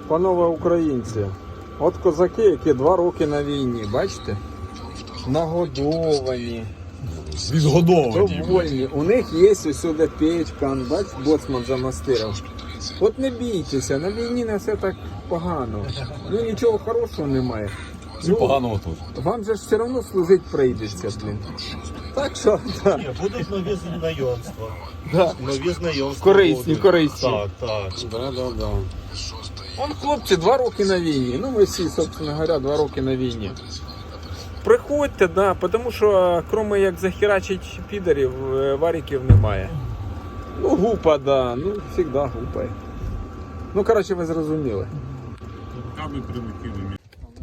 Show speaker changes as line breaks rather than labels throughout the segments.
Панове українці, от козаки, які 2 роки на війні, бачите? Нагодовані, довольні. У них є усюди печка, бач, боцман замастирив. От не бійтеся, на війні не все так погано. Ну нічого хорошого немає.
Ну, поганого теж.
Вам же ж все одно служити прийдеться, блін. Так що, так.
Ні, будуть нові знайомства.
Да.
Нові знайомства.
Корисні,
будуть.
корисні.
Так, так.
Да. Вон хлопці 2 роки на війні. Ну ми всі, собственно говоря, 2 роки на війні. Приходьте, да, тому що, крім як захерачить підарів, варіків немає. Ну гупа, да, ну завжди гупає. Ну коротше, ви зрозуміли.
Руками прилетіли.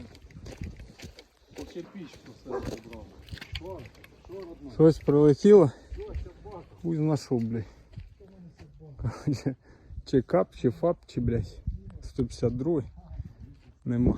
Щось прилетіло. Хуй знайшов, блядь. Короче, чи кап, чи фап, чи, блядь, 152. Нема.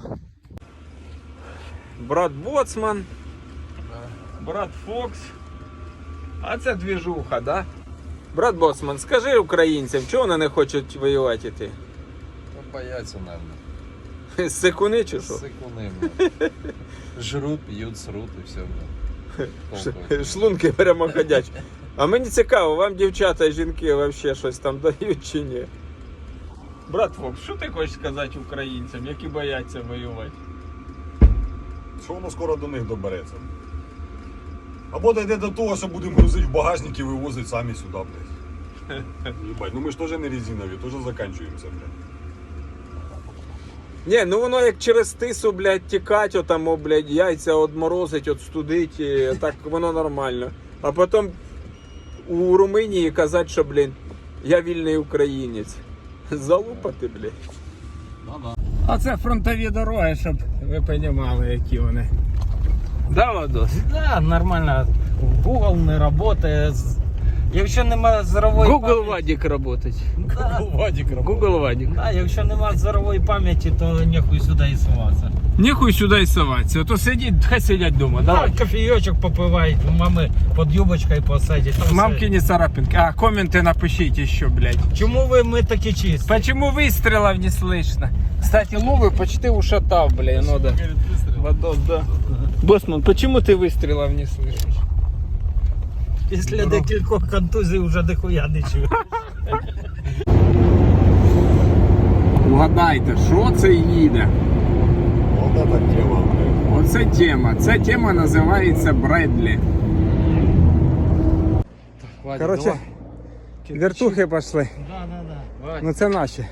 Брат Боцман. Брат Фокс. А це двіжуха, да? Брат Боцман, скажи українцям, чого вони не хочуть воювати йти?
Ну, бояться, наверное.
Сикуни чи що?
Сыкуны, жрут, пьют, срут и все.
Шлунки прямо ходять. А мені цікаво, вам дівчата і жінки вообще щось там дають чи ні? Брат Фокс, що ти хочеш сказати українцям, які бояться воювати?
Що воно скоро до них добереться. Або дійде до того, що будемо грузити в багажник і вивозити самі сюди, блядь. Єбать, ну ми ж теж не резинові, теж закінчуємося, блядь.
Ні, ну воно як через тису, блядь, тікать, отам, блядь, яйця одморозить, отстудить, і так воно нормально. А потім у Румунії казати, що, блін, я вільний українець. Залупати, блядь. А це фронтові дороги, щоб ви розуміли, які вони. Да, Владос?
Да, нормально. Google не працює. Якщо нема зорової
Google Вадик работать. Google Вадик.
Да, якщо нема зорової пам'яті, то нехуй сюди і суватися.
Нехуй сюди і соватися, а то сидіть, хай сидять вдома, давай.
Так, кофійочок попивають, у мами під юбочкою посадять.
Мамки не царапинки. А, комменты напишите еще, блядь.
Чому ми такі чисті?
Почему выстрелов не слышно? Кстати, Ловы почти ушатал, блядь, ну да. Водос, да. Боссман, почему ты выстрелов не слышишь?
Після декількох контузій вже дохуя не чую.
Угадайте, що це їде?
Вот эта тема, блядь.
Оце тема. Ця тема називається Бредлі. Короче, вертухи пішли.
Да.
Ну це наші.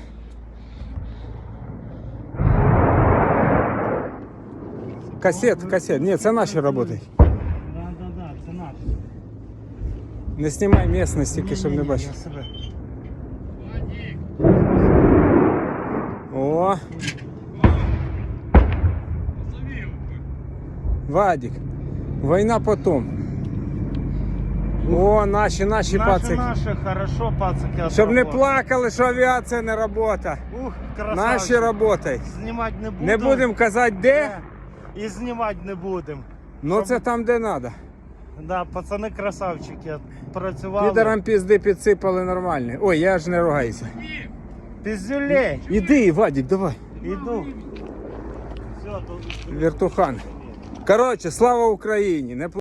Касет. Ні, це наші працюють.
Да, це наш.
Не знімай місцевість, тільки щоб не бачив. О! Вадик, війна потом. О, наші пацики.
Наші, хорошо, пацики.
Щоб не плакали, що авіація не робота.
Ух,
Наші працюють.
Знімати не будемо.
Не будемо казати де,
І знімати не будемо.
але це там, де треба.
Да, пацани красавчики. Працювали.
Підерам пізди підсипали нормальні. Ой, я ж не ругайся.
Піздюлей.
Іди, Вадик, давай.
Іду. Все, то...
Вертухан. Коротше, слава Україні. Не